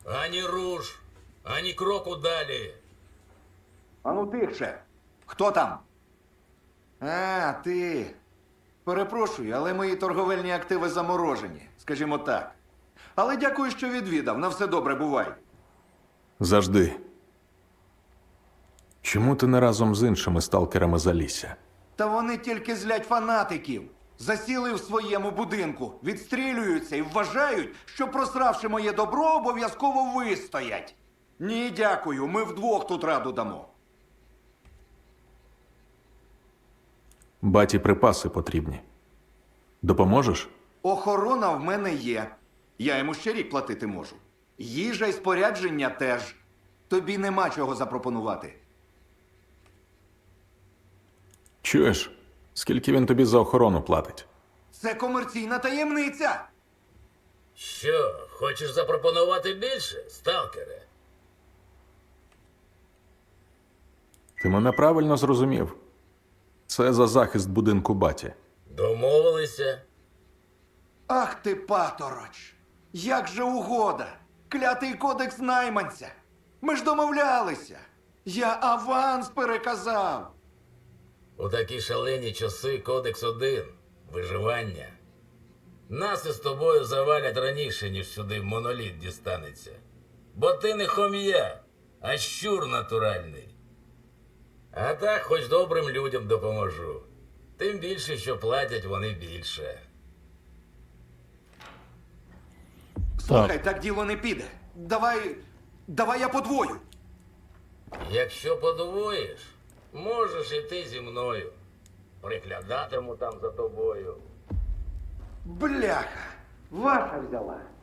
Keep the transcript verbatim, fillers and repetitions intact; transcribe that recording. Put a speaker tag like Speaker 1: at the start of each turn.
Speaker 1: Ані руш, ані кроку далі.
Speaker 2: Ану тихше. Хто там? А, ти. Перепрошую, але мої торговельні активи заморожені, скажімо так. Але дякую, що відвідав. На все добре, бувай.
Speaker 3: Завжди. Чому ти не разом з іншими сталкерами залісся?
Speaker 2: Та вони тільки злять фанатиків. Засіли в своєму будинку, відстрілюються і вважають, що просравши моє добро, обов'язково вистоять. Ні, дякую, ми вдвох тут раду дамо.
Speaker 3: Баті припаси потрібні. Допоможеш?
Speaker 2: Охорона в мене є. Я йому ще рік платити можу. Їжа і спорядження теж. Тобі нема чого запропонувати.
Speaker 3: Чуєш, скільки він тобі за охорону платить?
Speaker 2: Це комерційна таємниця.
Speaker 1: Що, хочеш запропонувати більше, сталкере?
Speaker 3: Ти мене правильно зрозумів. Це за захист будинку баті.
Speaker 1: Домовилися?
Speaker 2: Ах ти, патороч! Як же угода! Клятий кодекс найманця! Ми ж домовлялися! Я аванс переказав!
Speaker 1: У такі шалені часи кодекс один – виживання. Нас із тобою завалять раніше, ніж сюди моноліт дістанеться. Бо ти не хом'я, а щур натуральний. А так хоч добрим людям допоможу. Тим більше, що платять вони більше.
Speaker 2: Слухай, так діло не піде. Давай. Давай я подвою.
Speaker 1: Якщо подвоїш, можеш іти зі мною. Приглядатиму там за тобою.
Speaker 2: Бляха! Ваша взяла.